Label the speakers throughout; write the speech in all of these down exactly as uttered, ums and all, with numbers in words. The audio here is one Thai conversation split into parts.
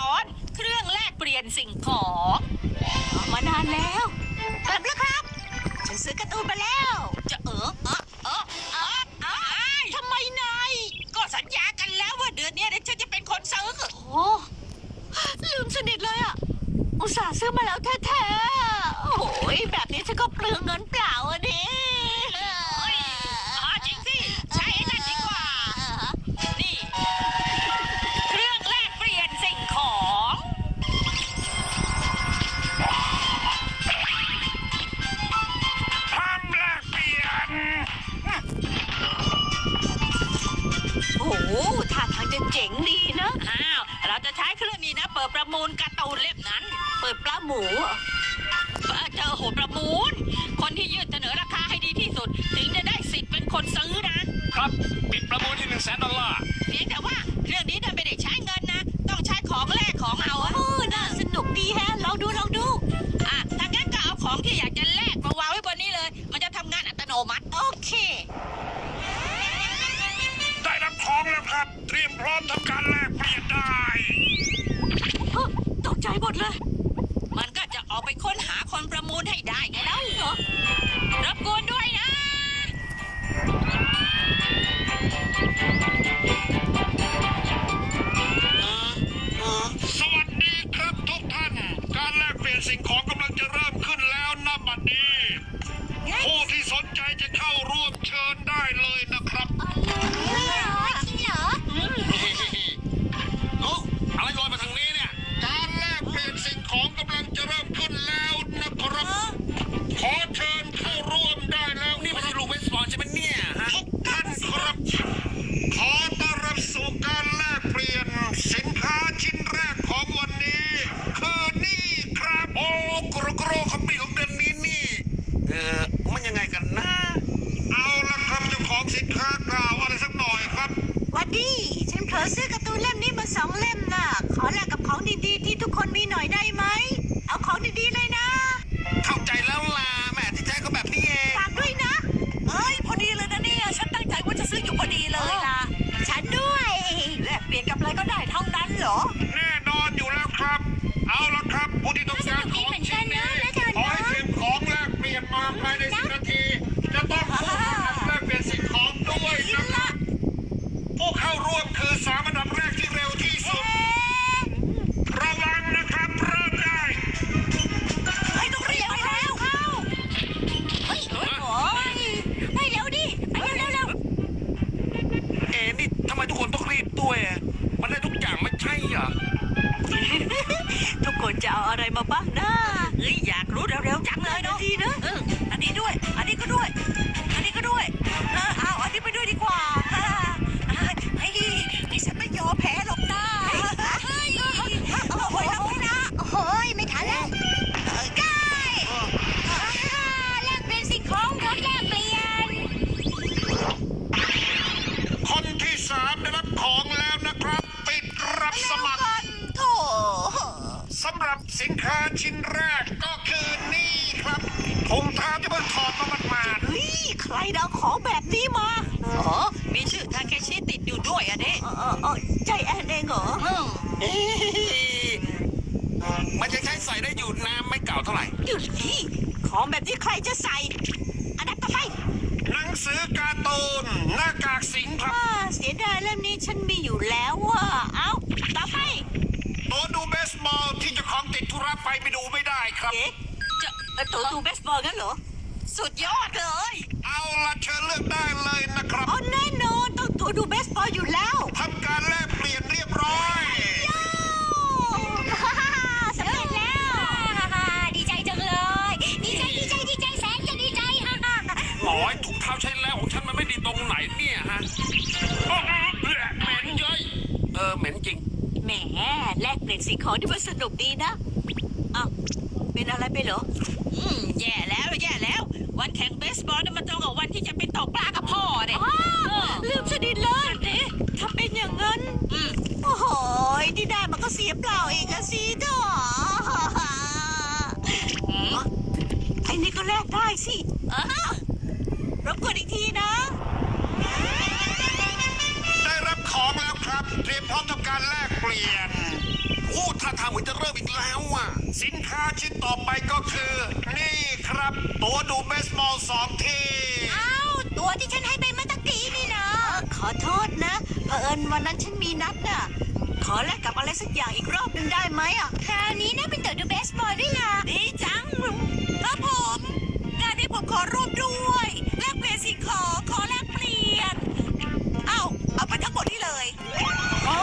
Speaker 1: อนเครื่องแลกเปลี่ยนสิ่งของมานานแล้วกลับแล้วครับฉันซื้อการ์ตูนมาแล้วจะเออเออเออเออเออทำไมนายก็สัญญากันแล้วว่าเดือนนี้ฉันจะเป็นคนซื้อโอ้ลืมสนิทเลยอ่ะอุตส่าห์ซื้อมาแล้วแท้ๆโอ้ยแบบนี้ฉันก็เปลืองเงินเปล่าอ่ะดิจริงสิใช่นั่นดีกว่านี่เครื่องแลกเปลี่ยนสิ่งของ
Speaker 2: พร้อมแลกเปลี่ยน
Speaker 1: โอ้โหท่าทางจะเจ๋งดีนะอ้าวเราจะใช้เครื่องนี้นะเปิดประมูลการ์ตูนเล่มนั้นเปิดปลาหมูเจอโหประมูลคนที่ยื่นเสนอราคาให้ดีที่สุดถึงจะได้สิทธิ์เป็นคนซื้อนะครับ
Speaker 2: ปิดประมูลที่หนึ่งแสนดอลลาร์
Speaker 1: เพียงแต่ว่าเครื่องนี้ไม่ได้ใช้เงินนะต้องใช้ของแลกของเอาโอ้น่าสนุกดีแฮะลองดูลองดูอ่ะถ้างั้นก็เอาของที่อยากจะแลกมาวางไว้บนนี้เลยมันจะทำงานอัตโนมัติโอเค
Speaker 2: ได้รับของแล้วครับเตรียมพร้อมทำการแลกเปลี่ยนได้
Speaker 1: ตกใจหมดเลยมันก็จะออกไปค้นหาคนประมูลให้ได้ไงแล้วเหรอรบกวนด้วยนะ
Speaker 2: สวัสดีครับทุกท่านการแลกเปลี่ยนสิ่งของกำลังจะเริ่มขึ้นแล้วนะบัดนี้ผู้ที่สนใจจะเข้าร่วมเชิญได้เลยนะครับโอ้อะไรลอยมาทางนี้เนี่ยการแลกเปลี่ยนสิ่งของกำลังจะเริ่มขึ้นแล้วนะครับขอเชิญเข้าร่วมได้แล้วนี่มันลูกเบสบอลใช่ไหมเนี่ยฮะทุกท่านครับขอต้อนรับสู่การแลกเปลี่ยนสินค้าชิ้นแรกของวันนี้คือนี่ครับโอ้กรกรขมิ้นของเดือนนี้นี่เออมันยังไงกันนะเอาละครับเจ้าของสินค้ากล่าวอะไรสักหน่อยครับ
Speaker 1: วันดีฉันเผลอซื้อการ์ตูนเล่มนี้มาสองเล่มน่ะขอแลกกับของดีๆที่ทุกคนมีหน่อยได้ไหมเอาของดีๆเลยนะ
Speaker 2: เข้าใจแล้วล่ะแม่ที่แท้ก็แบบนี้เอง
Speaker 1: ฝากด้วยนะเอ้ยพอดีเลยนะเนี่ยฉันตั้งใจว่าจะซื้ออยู่พอดีเลยล่ะฉันด้วยแลกเปลี่ยนกับอะไรก็ได้เท่านั้นเหรอ
Speaker 2: แน่นอนอยู่แล้วครับเอาละครับผู้ที่ต้องการของชิ้นนี้ขอให้เตรียมของแลกเปลี่ยนมาภายในสิบนาทีจะต้องพูดแลกเปลี่ยนสิ่งของด้วยนะครับผู้เข้าร่วมคือสามอันดับแรกที่เร็วที่สุดระวังนะครับเริ่มได้
Speaker 1: เฮ้ยต้องเรียกไปแล้วเข้าเฮ้ยโอ้ยไปเร็วดิไปเร็วเร็ว
Speaker 2: เอ็นี่ทำไมทุกคนต้องรีบด้วยมันได้ทุกอย่างไม่ใช่เหรอ
Speaker 1: ทุกคนจะเอาอะไรมาบ้างนะเฮ้ยอยากรู้เร็วๆจังเลยเนาะดีนะอันนี้ด้วยอันนี้ก็ด้วยอันนี้ก็ด้วยเออเอาอันนี้ไปด้วยดีกว่าเฮ้ยนี่ฉันไม่ยอมแพ้หรอกนะเฮ้ยโอ้ยรับไม่นะโอ้ยไม่ทันแล้วได้แลกเปลี่ยนสิ่งของรถแลกเปลี่ยน
Speaker 2: คนที่สามได้รับของแล้วนะครับปิดรับสมัคร
Speaker 1: โถ่
Speaker 2: สำหรับสินค้าชิ้นแรกก็คือนี่ครับถุงเท้าที่เพิ่งถอดมาหมาด
Speaker 1: ๆเฮ้ยใครเอาของแบบนี้มาอ๋อมีชื่อทาเคชิติดอยู่ด้วยอ่ะเด้เออเออใจแอนเองเหรอ
Speaker 2: มันจะใช้ใส่ได้อยู่น้ำไม่เก่าเท่าไหร่
Speaker 1: หยุดที่ของแบบนี้ใครจะใส่อันดับต่อไป
Speaker 2: หนังสือการ์ตูนหน้ากากสิงครับ
Speaker 1: เสียดายเล่มนี้ฉันมีอยู่แล้วว่ะเอาต่อไป
Speaker 2: ตัวดูเบสบอลที่เจ้าของติดธุระไปไปดูไม่ได้ครับ
Speaker 1: เอ๊ะจะตัวดูเบสบอลงั้นเหรอสุดยอดเลย
Speaker 2: เอาละเชิญเลือกได้เลยนะครับ
Speaker 1: อ๋อแน่นอนต้องตัวดูเบสบอลอยู่แล้ว
Speaker 2: ทำการแลกเปลี่ยนเรียบร้อย
Speaker 1: สำเร็จแล้วดีใจจังเลยดีใจดีใจดีใจแสนจะดีใจฮ่าฮ่า
Speaker 2: หน่อยถุงเท้าใช้แล้วของฉันมันไม่ดีตรงไหนเนี่ยฮะเหม็นเย้ยเออเหม็นจริง
Speaker 1: แหมแลกเปลี่ยนสิ่งของที่มันสนุกดีนะอ้าวเป็นอะไรไปเหรออืมแย่แล้วแย่แล้ววันแข่งเบสบอลนี่มันตรงกับวันที่จะไปตกปลากับพ่อเนี่ยลืมสนิทเลยถ้าเป็นอย่างนั้นโอ้โหที่ได้มันก็เสียเปล่าเองอะสิเด้อไอ้นี่ก็แลกได้สิรบกวนอีกทีนะ
Speaker 2: ได้รับของแล้วครับเตรียมพร้อมทำการแลกเปลี่ยนผู้ท่าทางเหมือนจะเริ่มอีกแล้วอ่ะสินค้าชิ้นต่อไปก็คือ นี่ครับ ตัวดูเบสบอลสองที
Speaker 1: อ้าวตัวที่ฉันให้ไปเมื่อตะกี้นี่นะขอโทษนะเผอิญวันนั้นฉันมีนัดน่ะขอแลกกับอะไรสักอย่างอีกรอบหนึ่งได้ไหมอ่ะคราวนี้นะเป็นตัวดูเบสบอลด้วยล่ะดีจังครับผมงานนี้ผมขอร่วมด้วยแลกเปลี่ยนสิ่งของขอแลกเปลี่ยนเอ้าเอาไปทั้งหมดนี่เลยอ๋อ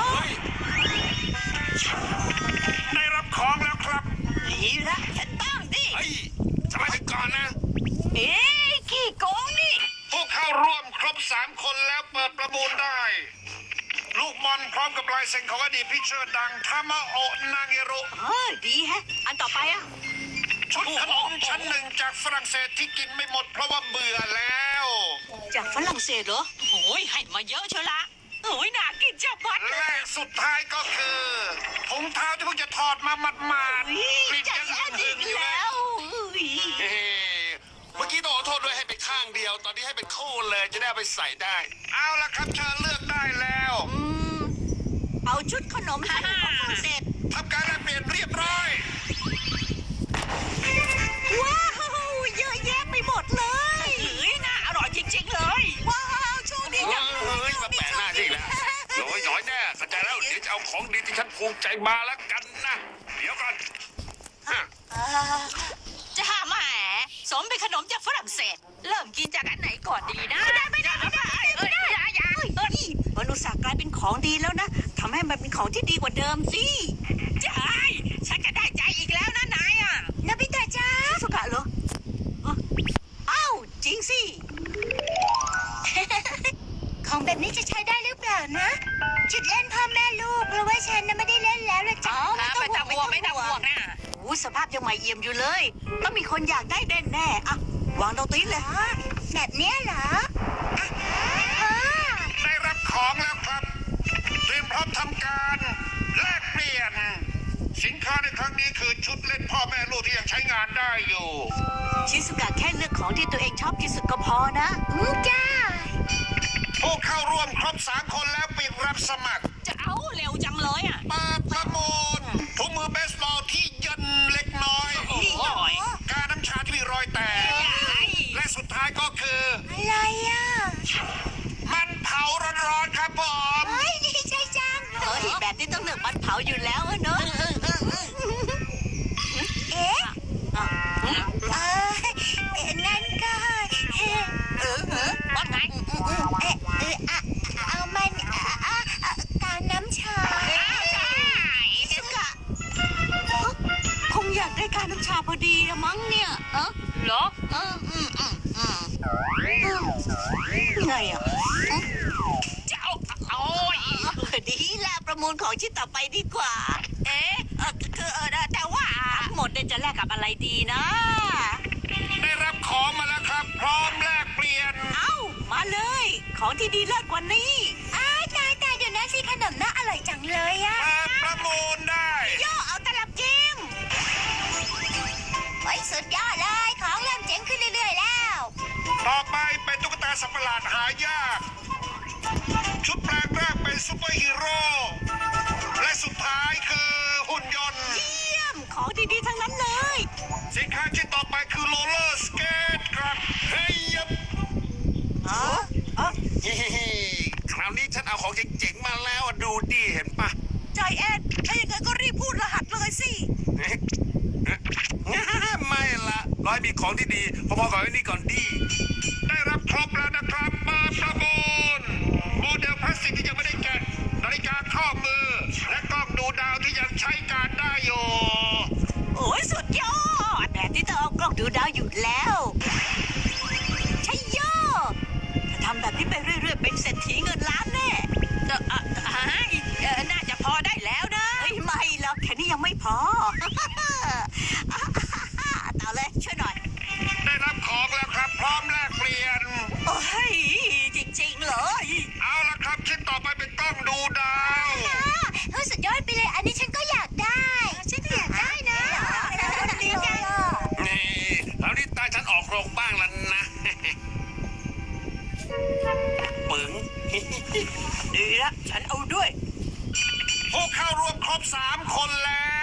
Speaker 2: ได้รับของแล้วครับ
Speaker 1: ดีละฉันตั้งดิ
Speaker 2: เฮ้ยสมาชิกก่อนนะ
Speaker 1: เอ๊ะขี้โกงนี่
Speaker 2: ผู้เข้าร่วมครบสามคนแล้วเปิดประมูลได้ ลูกบอลพร้อมกับลายเซ็นของอดีตพิเชอร์ดังทามาโอะนางเอรุ
Speaker 1: เออดีแฮะ อันต่อไปอ่ะ
Speaker 2: ชุดขนมชั้นหนึ่งจากฝรั่งเศสที่กินไม่หมดเพราะว่าเบื่อแล้ว
Speaker 1: จากฝรั่งเศสเหรอโอ้ยให้มาเยอะเชียวละโอ้ยน่ากินจับวัด
Speaker 2: และสุดท้ายก็คือถุงเท้าที่เพิ่งจะถอดมาหมาด
Speaker 1: อุ๊ย
Speaker 2: ๆกลิ่น
Speaker 1: ใจ
Speaker 2: ยัง
Speaker 1: แอน
Speaker 2: หึ
Speaker 1: อี
Speaker 2: ง
Speaker 1: ก
Speaker 2: ๆอยู่เล
Speaker 1: แล้
Speaker 2: ยว
Speaker 1: อุ๊ย
Speaker 2: เฮ้เมื่อกี้ต้องขอโทษด้วยให้เป็นข้างเดียว ตอนนี้ให้เป็นคู่เลยจะได้เอาไปใส่ได้ เอาละครับเชิญเลือกได้แล้ว
Speaker 1: อืมเอาชุดขนมชั้นหนึ่งของฝรั่งเศส
Speaker 2: ทำการแลกเปลี่ยนเรียบร้อย
Speaker 1: ว้าวเยอะแยะไปหมดเลยเฮ้ยน่าอร่อยจริงๆเลย ว้าวโชคดี
Speaker 2: เฮ้
Speaker 1: จังเลย
Speaker 2: ยมาแปะหน้าที่แล้วน้อยน้อยแน่เข้าใจแล้วเดี๋ยวจะเอาของดีที่ฉันภูมิใจมาแล้วกันนะ เดี๋ยวก่อนฮะ
Speaker 1: อ่าจะหาแหมสมเป็นขนมจากฝรั่งเศส เริ่มกินจากอันไหนก่อนดีนะไม่ได้ไม่ได้ไม่ได้ไม่ได้อย่าอย่าเฮ้ยมันอุตส่าห์กลายเป็นของดีแล้วนะทำให้มันเป็นของที่ดีกว่าเดิมสิใช่ฉันจะได้ใจอีกแล้วนะนายอ่ะนาบิตะจ้าสุกะเหรออ้าวจริงสิ ของแบบนี้จะใช้ได้หรือเปล่านะจุดเล่นพ่อแม่ลูกเพราะว่าฉันน่ะไม่ได้เล่นแล้วละจ้าไม่ต้องห่วงไม่ต้องห่วงนะโอ้สภาพยังใหม่เอี่ยมอยู่เลยต้องมีคนอยากได้แน่แน่ๆอ่ะวางตรงนี้เลยแบบเนี้ยเหรออ่ะอ่า
Speaker 2: ได้รับของแล้วครับ เตรียมพร้อมทำการแลกเปลี่ยน สินค้าในครั้งนี้คือชุดเล่นพ่อแม่ลูกที่ยังใช้งานได้อยู่
Speaker 1: ชิสุกะแค่เลือกของที่ตัวเองชอบที่สุดก็พอนะอืมจ้า
Speaker 2: ผู้เข้าร่วมครบสามคนแล้วปิดรับสมัคร
Speaker 1: จะเอาเร็วจังเลยอ่ะ
Speaker 2: เปิดประมูลถุงมือเบสบอลที่ยันเล็กน้อย
Speaker 1: โอ้ย
Speaker 2: กาน้ำชาที่มีรอยแตก และสุดท้ายก็คือ
Speaker 1: อะไรอ่ะ
Speaker 2: มันเผาร้อนๆครับผม
Speaker 1: เฮ้ยดีใจจังเฮ้ยแบบนี้ต้องเลือกมันเผาอยู่แล้วอะเนอะเอ๊ะเอองั้นก็เออเออว่าไงเออเออเอามันกาน้ำชาสุกะคงอยากได้การน้ำชาพอดีอะมั้งเนี่ยเออเหรอเอออืมอืมอืมไงอ่ะจะเอาโอ้ยดีละประมูลของชิ้นต่อไปดีกว่า เอ๊ะเออคือเออแต่ว่าทั้งหมดเนี่ยจะแลกกับอะไรดีนะ
Speaker 2: ได้รับของมาแล้วครับ พร้อมแลกเปลี่ยน
Speaker 1: เอ้ามาเลย ของที่ดีเลิศกว่านี้อ้าตายตายเดี๋ยวนะสิขนมน่าอร่อยจังเลยอะ
Speaker 2: เปิดประมูลได้
Speaker 1: ย่อเอาตลับจิ้มไปสุดยอดเลย ของเริ่มเจ๋งขึ้นเรื่อยๆแล้ว
Speaker 2: ต่อไปเป็นตุ๊กตาสัตว์ประหลาดหายาก ชุดแปลงร่างเป็นซูเปอร์ฮีโร่ และสุดท้ายคือหุ่นยนต์
Speaker 1: เยี่ยม ของดีๆทั้งนั้นเลย
Speaker 2: สินค้าชิ้นต่อไปคือโรลเลอร์สเกตครับ เฮ้ยยับ
Speaker 1: อ๋ออ๋อ
Speaker 2: คราวนี้ฉันเอาของเจ๋งๆมาแล้วอะดูดิเห็นปะ
Speaker 1: ใจแอนถ้าอย่างนั้นก็รีบพูดรหัสเลยสิ
Speaker 2: เอ๊ะไม่ละร้อยมีของที่ดีพอๆกับไอ้นี่ก่อนดี ได้รับครบแล้วนะครับมาประมูลโมเดลพลาสติกที่ยังไม่ได้แกะนาฬิกาข้อมือ และกล้องดูดาวที่ยังใช้การได้อยู่
Speaker 1: โอ้ยสุดยอดแบบที่ต้องเอากล้องดูดาวอยู่แล้วใช่ยอดถ้าทำแบบนี้ไปเรื่อยๆเป็นเศรษฐีเงินล้านแน่เออเออเออน่าจะพอได้แล้วนะเฮ้ยไม่หรอกแค่นี้ยังไม่พอ ต่อเลยช่วยหน่อย
Speaker 2: ได้รับของแล้วครับ พร้อมแลกเปลี่ยน
Speaker 1: โอ้ยจริงๆเลย
Speaker 2: เอาละครับชิ้นต่อไปเป็นกล้องดูดาว
Speaker 1: เฮ้ยสุดยอดไปเลยอันนี้ฉันก็อยากได้ฉันก็อยากได้นะดีจัง
Speaker 2: นี่คราวนี้ตาฉันออกโรงบ้างแล้วนะ ปึ๋ง
Speaker 1: ดีละฉันเอาด้วย
Speaker 2: ผู้เข้าร่วมครบสามคนแล้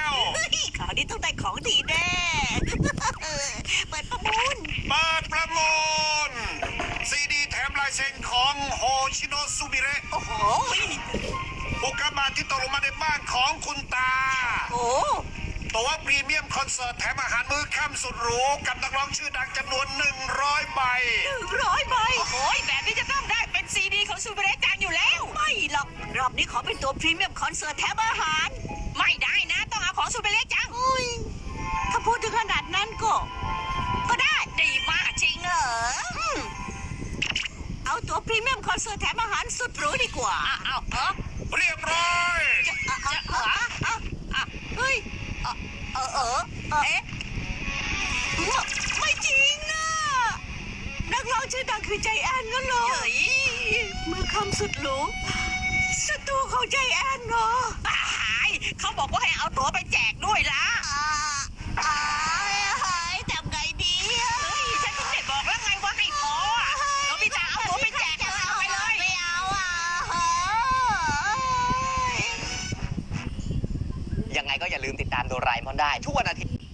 Speaker 1: ของดีแน่ เปิดประมูล
Speaker 2: เปิดประมูลซีดีแถมลายเซ็นของโฮชิโนะซูมิเระ
Speaker 1: โอ้โห
Speaker 2: อุกกาบาตที่ตกลงมาในบ้านของคุณตา
Speaker 1: โอ้
Speaker 2: ตั๋วพรีเมียมคอนเสิร์ตแถมอาหารมื้อค่ำสุดหรูกับนักร้องชื่อดังจำนวนหนึ่งร้อยใบ
Speaker 1: หนึ่งร้อยใบโอ้โหแบบนี้จะต้องได้เป็นซีดีของซูเปอร์เรจังอยู่แล้ว ไม่หรอก รอบนี้ขอเป็นตัวพรีเมียมคอนเสิร์ตแถมอาหาร ไม่ได้นะ ต้องเอาของซูเปอร์เรจังถ้าพูดถึงขนาดนั้นก็ ก็ได้ ดีมากจริงเหรออืมเอาตัวพรีเมียมคอนเสิร์ตแถมอาหารสุดหรูดีกว่าเอาเอา
Speaker 2: เรียบร้อย
Speaker 1: จะจะเออเออเฮ้ยเออเออเออเอ๊ะไม่จริงอ่ะนักร้องชื่อดังคือใจแอนงั้นเหรอเมื่อคำสุดหรูสตูของใจแอนเหรอตายเขาบอกว่าให้เอาตั๋วไปแจกด้วยล่ะอ่าหายทำไงดีเฮ้ยฉันถึงได้บอกแล้วไงว่าให้พอโนบิตะเอาตั๋วไปแจกเอาไปเลยไม่เอาอ่ะ
Speaker 3: ยังไงก็อย่าลืมติดตามโดราเอมอนได้ทุกวันอาทิตย์